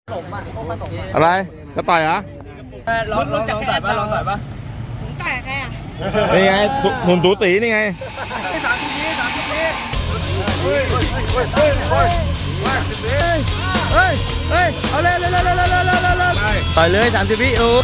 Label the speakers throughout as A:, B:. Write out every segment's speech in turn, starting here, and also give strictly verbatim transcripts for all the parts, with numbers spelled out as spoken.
A: อะไรจะต่อยเหรอ
B: ลองลองต่อยป่ะลองต่อยป่ะ
C: ผมต่อยใครอ่ะ
A: นี่ไงหุ่นสูสีนี่ไง
B: สามสิบวิสามสิบวิ
A: เฮ้ยเฮ้ยเฮ้ยเฮ้ยเฮ้ยเอาเลยเลยเลยเลยเลยเลยต่อยเลยสามสิบวิโอ้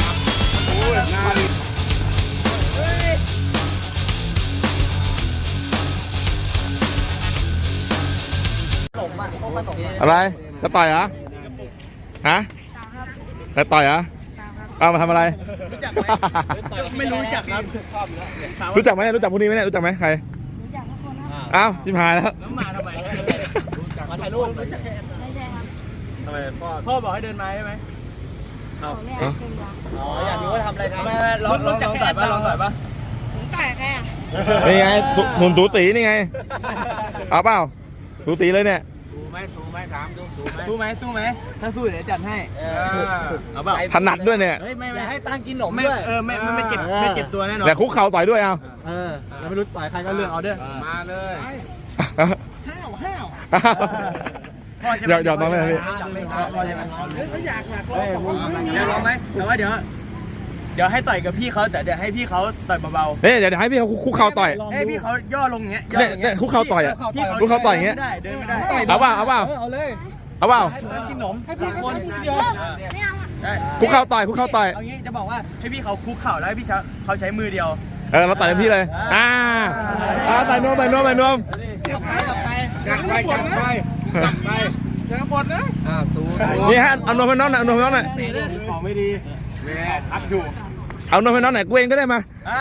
A: อะไรจะต่อยเหรอฮะจะต่อยเหรอเอามาทำอะไร
B: ไม่รู้จักครับ
A: รู้จักไหมรู้จักพวกนี้ไหมเนี่ยรู้จักไหมใคร
C: รู้จักทุกคนครับ
A: อ้าวชิบหายแล้ว
B: น้ำมาทำไมมาถ่ายรูปไม่ใช่ครับทำไมพ่อพ่อบอกให้เดินมาใช่ไหม
C: เอาไม่เอาเป็นยา
B: อ๋ออยากรู้ว่าทำอะไรกันไม่ไม่ลองลองต่อยป่ะลองต่อยป่ะ
C: ผมต่อยใครอ่ะ
A: นี่ไงหุ่นสูสีนี่ไงเอาเปล่าสูสีเลยเนี่ย
D: สู้ไหมสู้ไหมถามดูสู้ไหม
B: สู้ไหมสู้ไหมถ้าสู้เดี๋ยวจัดให้เอาเปล่า
A: ถนัดด้วยเนี่ย
B: เฮ้ยไม่ไม่ให้ตั้งกินหนมด้วยเออไม่ไม่เจ็บไม่เจ็บตัวแน่นอน
A: แต่คุกเข่าต่อยด้วยเอา
B: เออเราไม่รู้ต่อยใครก็เลือกเอาเด้อ
D: มาเลย
B: ห้าวห้าว
A: เดี๋ยวเดี๋ยวน้องเลยพี่
B: ไม่อยากอยากลองอยากลองไหมแต่ว่าเดี๋ยวเดี๋ยวให้ต่อยกับพี่เขาแต่เดี๋ยวให้พี่เขาต่อยเบา
A: ๆเฮ้ยเดี๋ยวให้พี่เขาคุกเข่าต่อย
B: ให้พี่เขาย่อลงอย่างเงี้ย
A: เนี่ยเนี่ยคุกเข่าต่อยอ่ะคุกเข่าต่อยอย่างเงี้ย
B: เดินไม่ได้
A: เอาเปล่าเอาเปล่า
B: เอาเลย
A: เอาเปล่า
B: กินขนมให้พี่เขา
C: ไม่เอา
A: คุกเข่าต่อยคุกเข่าต่อย
B: เอางี้จะบอกว่าให้พี่เขาคุกเข่าแล้วให้พี่เขาใช้มือเดียว
A: เออเราต่อยเต็มที่เลยอ่าอ่าต่อยนวมต่อยนวมต่อยนวม
B: กับใครกับใคร
D: กัดไปกัดไปกัดไปอย่าหมดนะอ่าสู้
A: นี่ฮะเอานวมให้น้องหน่อยเอานวมให้น้องหน่อย
B: ของไม่ดี
D: แม่
B: อัดอยู่
A: เอานวมให้น้องหน่อยกูเองก็ได้มา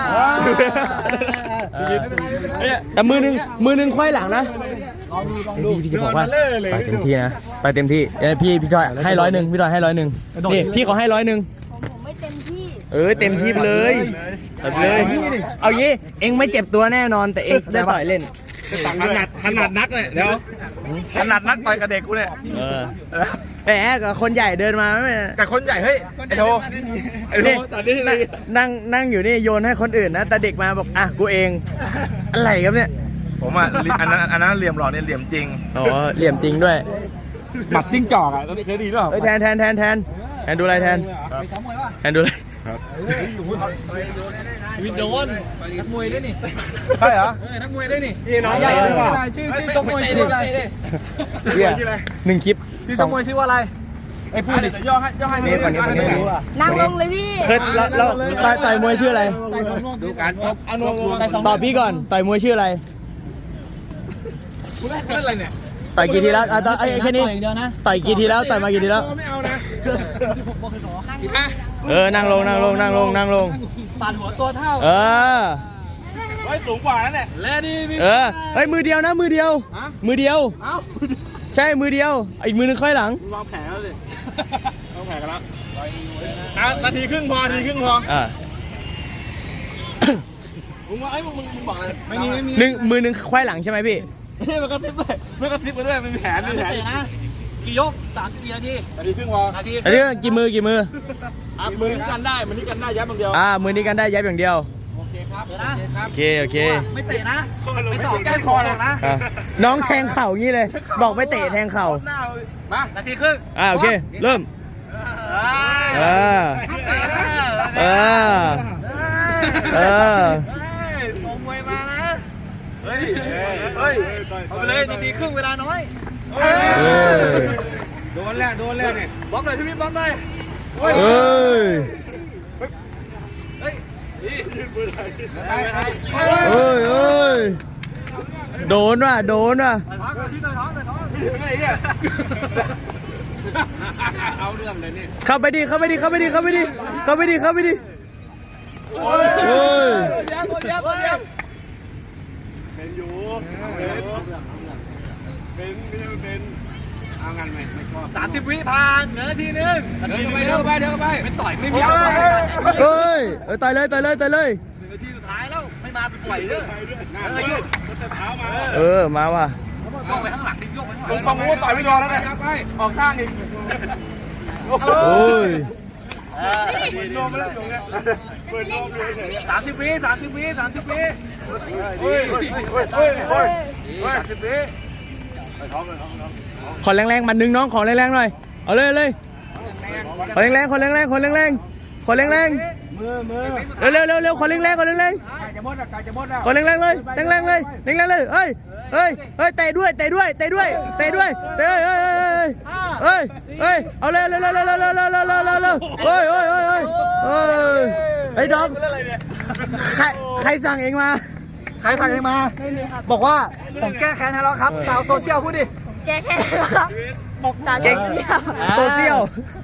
A: แต่มือหนึ่งมือหนึ่งควายหลังนะพี่พี่จะบอกว่าต่อยเต็มที่นะต่อยเต็มที่พี่พี่จอยให้ร้อยหนึ่งพี่จอยให้ร้อยหนึ่งนี่พี่เขาให้ร้อยหนึ่ง
C: ผมไม่เต็มที่
A: เออเต็มที่ไปเลยไปเลย
B: เอางี้เอ็งไม่เจ็บตัวแน่นอนแต่เอ็งได้ต่อยเล่น
A: ถนัดถนัดนักเลยเดี๋ยวถนัดนักต่อยกับเด็กกูเนี่ย
B: แหมกับคนใหญ่เดินมาไม่
A: กับคนใหญ่เฮ้ยไอ้โธไอ้โธตอนนี้
B: นั่งนั่งอยู่นี่โยนให้คนอื่นนะแต่เด็กมาบอกอ่ะกูเองอะไรครับเนี่ย
A: ผมอ่ะอันนั้นอันนั้นเหลี่ยมหล่อเนี่ยเหลี่ยมจริง
B: อ๋อเหลี่ยมจริงด้วย
A: หมัดจิ้งจอกอ่ะตอนนี้เคยดีหรือเปล่า
B: แทนแทนแทนแทนแทนดูอะไรแทนแทนดูอะไรวินโดนนักมวยได้นี่
A: ใช่เหรอ
B: นักมวยได้นี่น้องใหญ่ชื่อชื่อชกมวยชื่ออะไรหนึ่งคลิปชื่อชกมวยชื่อว่าอะไรไอ้พูดดิ
A: ย่อให้ย่อให้
B: นี่ก่อนนี้ก่อนนี้
C: นั่งลงเลยพี่
B: เคยแล้วแล้วต่อยมวยชื่ออะไร
D: ดูการตบ
A: อนุมูล
B: ตอบพี่ก่อนต่อยมวยชื่ออะไร
A: คุณเล่นอะไรเนี่ย
B: ต่อยกี่ทีแล้วอ่ะต่อยแค่นี้ต่อยกี่ทีแล้วต่อยมากี่ทีแล้ว
A: ไม่เอานะ
B: เออนั่งลงนั่งลงนั่งลงนั่งลง
D: ปาดหัวตัวเท่า
B: เออ
A: ไว้สูงกว่านั่นแหละ
B: แล้วนี่เออเฮ้ยมือเดียวนะมือเดียวมือเดียวใช่มือเดียวอีกมือนึงค่อยหลัง
A: วางแผนแล้วสิวางแผนกันแล้วนาทีครึ่งพอนาทีครึ่งพอ
B: อ่า
A: มึงว่าไอ้มึงมึงบอกอะไรไม่มีไม่มี
B: หนึ่งมือนึงค่อยหลังใช่ไหมพี่
A: มันก็ทิปด้วยมันก็ทิปมาด้วยมันมีแผนมีแผน
B: นะกี่ยกสามสี่นาที
A: นาทีครึ่งพอ
B: นาทีอันนี้กี่มือกี่มือ
A: อ่ะมือนี้กันได้มือนี้กันได้ยับอย่างเดียว
B: อ่ามือนี้กันได้ยับอย่างเดียว
D: โอเคครับ
B: โอเคโอเค
A: ไม่เตะนะไม่สอบแก้คอหรอกนะ
B: น้องแทงเข่างี้เลยบอกไม่เตะแทงเข่า
A: มานาทีครึ่ง
B: อ่าโอเคเริ่มเออเออเออ
A: ส่งมวยมานะเฮ้ยเฮ้ยเอาไปเลยนาทีครึ่งเวลาน้อย
D: โดนแล้วโดนแล้วเนี่ย
A: บล็อกหน่อยพี่มิ้นบล็อกหน่อย
B: เฮ้ย
A: เฮ้ยเฮ้ย
B: เฮ้ยเฮ้ยโดนว่ะโดนว่ะ
D: เอาเรื่องเลยนี่
B: เข้าไปดิเข้าไปดิเข้าไปดิเข้าไปดิเข้าไปดิเข้าไปดิ
A: โอ้ยโอ้ยยับยับยับเป็นอยู่เป็นเป็นเป็น
D: เอางานไหมไม่ชอบ
A: สามสิบวิผ่านเหลือนาทีนึง
D: เดินไปเดินไปเดินไป
A: เป็นต่อยไม่มี
B: เฮ้ยเออต่อยเลยต่อยเลยต่อยเลย
A: นาทีสุดท้ายแล้วไม่มาเป็นปล่อยเด้อ
B: เออมาว่ะ
A: โยกไปข้างหลังดิโยกไปข้างหลังลงปังงูต่อยไม่รอแล้วเนี่ยออกข้างอีก
B: โอ้ย
A: โดนมาแล้วอยู่เนี่ยสามสิบวิสามสิบวิสามสิบวิเฮ้ยเฮ้ยเฮ้ยเฮ้ยเฮ้ยสามสิบวิ
B: ขอแรงๆมันนึงน้องขอแรงๆหน่อยเอาเลยเลย
A: คนแรงๆคนแรงๆคนแรงๆคนแรงๆ
D: มือมือ
A: เร็วเร็วเร็วคนแรงๆคนแรง
D: ไก่จะหมดอ่ะไก่จะหมดอ่ะ
A: ๆคนแรงๆเลยแรงๆเลยแรงๆเลยเฮ้ยเฮ้ยเฮ้ยเตะด้วยเตะด้วยเตะด้วยเตะด้วยเฮ้ยเฮ้ยเฮ้ยเฮ้ยเอาเร็วเร็วเร็วเร็วเร็วเร็วเร็วเร็วเร็วเร็วเร็วเฮ้ยเฮ้ยเฮ้ยเฮ้ยเฮ้ยไอ้ดอมใครใครสั่งเองมา
B: ใครสั่งเองมา บอกว่าผมแก้แค้นให้แล้วครับสาวโซเชียลพูดดิ
C: แกแค่ไหนครับบอกตาเก่งเสีย
A: โซเชียล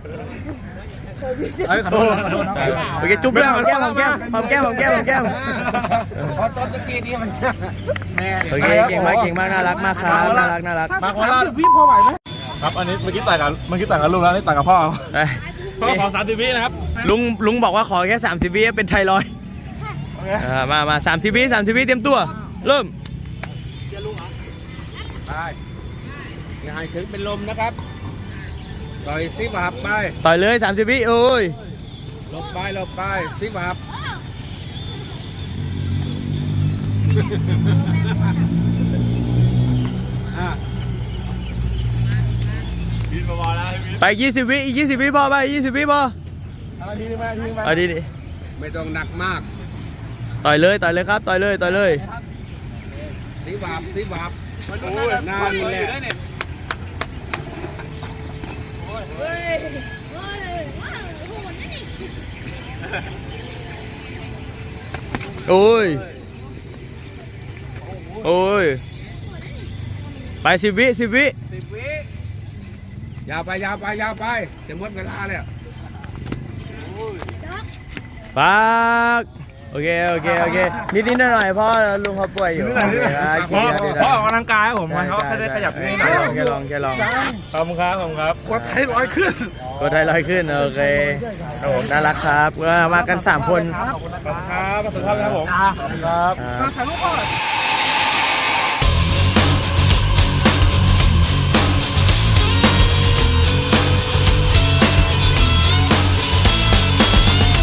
B: เฮ้ยขอโทษขอโทษนะ
A: โอเคจุ๊บด้วยหอมแก้มหอมแก้มหอมแก้มหอมแก้มหอมแก้ม
D: พอต้นตะกี้นี่มันแม่
A: โอเคเก่งมากเก่งมากน่ารักมากครับน่ารักน่ารัก
D: มาโคราชพี่พอไหวไหมครับอันนี้เมื่อกี้ต่างกันเมื่อกี้ต่างกันลุงแล้วนี่ต่างกับพ่อ พ่อขอสามสิบวินะครับ
A: ลุงลุงบอกว่าขอแค่สามสิบวิเป็นไทรอยด์อ่ามามาสามสิบวิสามสิบวิเตรียมตัวเริ่ม
D: ไปอย่าให้ถึงเป็นลมนะครับต่อยซิบับไป
A: ต่อยเลยสามสิบวิโอ้ย
D: หลบไปหลบไปซิบับอ่ะ
A: ไปยี่สิบวิอีกยี่สิบวิพอไปยี่สิบวิพอ
B: เอาดีไหมดีไหม
A: เอาดีดิ
D: ไม่ต้องหนักมาก
A: ต่อยเลยต่อยเลยครับต่อยเลยต่อยเลย
D: ซิบับซิบับโอ้ยนานแหละ
C: เฮ้ยเฮ้ยว้าวโหดนะนี่
A: โอ้ยโอ้ยไปสิบวิสิบวิ
B: สิบวิ
D: ยาวไปยาวไปยาวไปจะหมดเวลาแล้ว
A: ฝากโอเคโอเคโอเคนิดนิดหน่อยหน่อยพ่อลุงเขาป่วยอยู่
D: เพราะเพราะออกกำลังกายครับผมเขาแค่ได้ขยับนิดหน่อย
A: แค่ลองแค่ลอง
D: ขอบคุณครับขอบคุณครับกดไทยร้อยขึ้น
A: กดไทยลอยขึ้นโอเคครับผมน่ารักครับก็มากันสามคน
D: ขอบคุณครับขอบคุณครับผม
A: ครับ
B: ถ่ายรูปก่อน